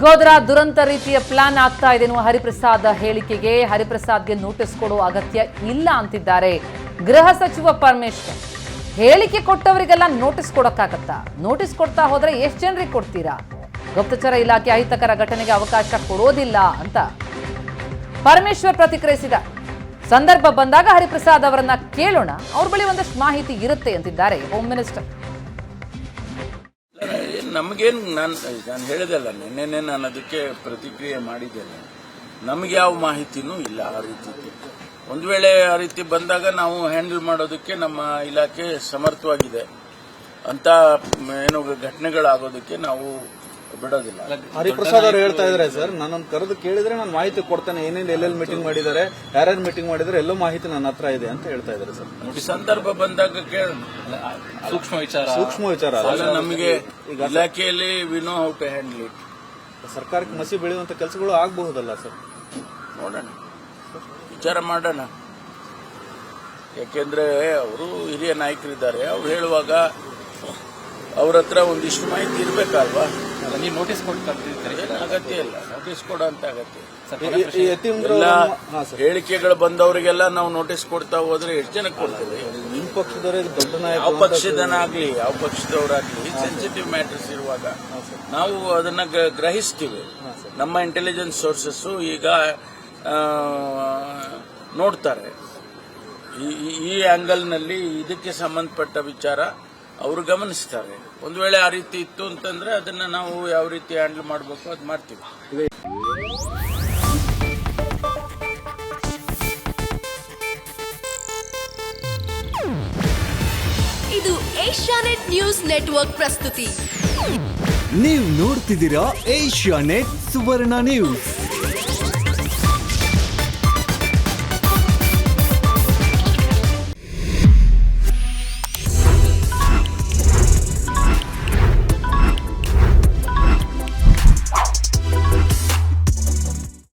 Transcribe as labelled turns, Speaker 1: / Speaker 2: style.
Speaker 1: ಗೋದ್ರಾ ದುರಂತ ರೀತಿಯ ಪ್ಲಾನ್ ಆಗ್ತಾ ಇದೆ ಎನ್ನುವ ಹರಿಪ್ರಸಾದ್ ಹೇಳಿಕೆಗೆ ಹರಿಪ್ರಸಾದ್ಗೆ ನೋಟಿಸ್ ಕೊಡುವ ಅಗತ್ಯ ಇಲ್ಲ ಅಂತಿದ್ದಾರೆ ಗೃಹ ಸಚಿವ ಪರಮೇಶ್ವರ್. ಹೇಳಿಕೆ ಕೊಟ್ಟವರಿಗೆಲ್ಲ ನೋಟಿಸ್ ಕೊಡಕ್ಕಾಗತ್ತಾ? ನೋಟಿಸ್ ಕೊಡ್ತಾ ಹೋದ್ರೆ ಎಷ್ಟು ಜನರಿಗೆ ಕೊಡ್ತೀರಾ? ಗುಪ್ತಚರ ಇಲಾಖೆ ಅಹಿತಕರ ಘಟನೆಗೆ ಅವಕಾಶ ಕೊಡೋದಿಲ್ಲ ಅಂತ ಪರಮೇಶ್ವರ್ ಪ್ರತಿಕ್ರಿಯಿಸಿದ. ಸಂದರ್ಭ ಬಂದಾಗ ಹರಿಪ್ರಸಾದ್ ಅವರನ್ನ ಕೇಳೋಣ, ಅವ್ರ ಬಳಿ ಒಂದಷ್ಟು ಮಾಹಿತಿ ಇರುತ್ತೆ ಅಂತಿದ್ದಾರೆ ಹೋಮ್ ಮಿನಿಸ್ಟರ್.
Speaker 2: ನಮಗೇನು ನಾನು ಹೇಳಿದೆಲ್ಲ ನಿನ್ನೆ ನಾನು ಅದಕ್ಕೆ ಪ್ರತಿಕ್ರಿಯೆ ಮಾಡಿದ್ದೇನೆ. ನಮಗೆ ಯಾವ ಮಾಹಿತಿನೂ ಇಲ್ಲ ಆ ರೀತಿ. ಒಂದು ವೇಳೆ ಆ ರೀತಿ ಬಂದಾಗ ನಾವು ಹ್ಯಾಂಡಲ್ ಮಾಡೋದಕ್ಕೆ ನಮ್ಮ ಇಲಾಖೆ ಸಮರ್ಥವಾಗಿದೆ ಅಂತ ಏನು ಘಟನೆಗಳಾಗೋದಕ್ಕೆ ನಾವು ಬಿಡೋದಿಲ್ಲ.
Speaker 3: ಹರಿಪ್ರಸಾದ್ ಅವರು ಹೇಳ್ತಾ ಇದ್ದಾರೆ ಸರ್, ನಾನು ಕರೆದು ಕೇಳಿದ್ರೆ ನಾನು ಮಾಹಿತಿ ಕೊಡ್ತೇನೆ, ಏನೇನು ಎಲ್ಲೆಲ್ಲಿ ಮೀಟಿಂಗ್ ಮಾಡಿದ್ದಾರೆ, ಯಾರ್ಯಾರು ಮೀಟಿಂಗ್ ಮಾಡಿದ್ದಾರೆ, ಎಲ್ಲೋ ಮಾಹಿತಿ ನನ್ನ ಹತ್ರ ಇದೆ ಅಂತ ಹೇಳ್ತಾ ಇದ್ದಾರೆ ಸರ್.
Speaker 2: ಸಂದರ್ಭ ಬಂದಾಗ
Speaker 3: ಸೂಕ್ಷ್ಮ ವಿಚಾರ
Speaker 2: ನಮಗೆ ಇಲಾಖೆಯಲ್ಲಿ we know how to handle it.
Speaker 3: ಸರ್ಕಾರಕ್ಕೆ ಮಸಿ ಬೆಳೆಯುವಂತ ಕೆಲಸಗಳು ಆಗಬಹುದಲ್ಲ ಸರ್?
Speaker 2: ನೋಡೋಣ, ವಿಚಾರ ಮಾಡೋಣ. ಯಾಕೆಂದ್ರೆ ಅವರು ಹಿರಿಯ ನಾಯಕರಿದ್ದಾರೆ, ಅವ್ರು ಹೇಳುವಾಗ ಅವ್ರ ಹತ್ರ ಒಂದಿಷ್ಟು ಮಾಹಿತಿ ಇರ್ಬೇಕಲ್ವಾ?
Speaker 4: ನೀವು ನೋಟಿಸ್ ಕೊಡ್ತಾರೆ?
Speaker 2: ಅಗತ್ಯ ಇಲ್ಲ, ನೋಟಿಸ್ ಕೊಡೋ ಅಂತ ಅಗತ್ಯ ಇಲ್ಲ. ಹೇಳಿಕೆಗಳು ಬಂದವರಿಗೆಲ್ಲ ನಾವು ನೋಟಿಸ್ ಕೊಡ್ತಾ ಹೋದ್ರೆ ಎಷ್ಟು ಜನಕ್ಕೆ ಕೊಡ್ತೇವೆ?
Speaker 3: ನಿಮ್ಮ ಪಕ್ಷದವರೇ ದೊಡ್ಡ ನಾಯಕ,
Speaker 2: ಯಾವ ಪಕ್ಷದನಾಗ್ಲಿ ಯಾವ ಪಕ್ಷದವರಾಗ್ಲಿ ಸೆನ್ಸಿಟಿವ್ ಮ್ಯಾಟರ್ಸ್ ಇರುವಾಗ ನಾವು ಅದನ್ನ ಗ್ರಹಿಸ್ತೀವಿ. ನಮ್ಮ ಇಂಟೆಲಿಜೆನ್ಸ್ ಸೋರ್ಸಸ್ ಈಗ ನೋಡ್ತಾರೆ. ಈ ಆಂಗಲ್ನಲ್ಲಿ ಇದಕ್ಕೆ ಸಂಬಂಧಪಟ್ಟ ವಿಚಾರ ಅವರು ಗಮನಿಸ್ತಾರೆ. ಒಂದು ವೇಳೆ ಆ ರೀತಿ ಇತ್ತು ಅಂತಂದ್ರೆ ಅದನ್ನ ನಾವು ಯಾವ ರೀತಿ ಹ್ಯಾಂಡಲ್ ಮಾಡಬೇಕು ಅದು ಮಾಡ್ತೀವಿ.
Speaker 5: ಇದು ಏಷ್ಯಾನೆಟ್ ನ್ಯೂಸ್ ನೆಟ್ವರ್ಕ್ ಪ್ರಸ್ತುತಿ.
Speaker 6: ನೀವು ನೋಡ್ತಿದ್ದೀರಾ ಏಷ್ಯಾನೆಟ್ ಸುವರ್ಣ ನ್ಯೂಸ್.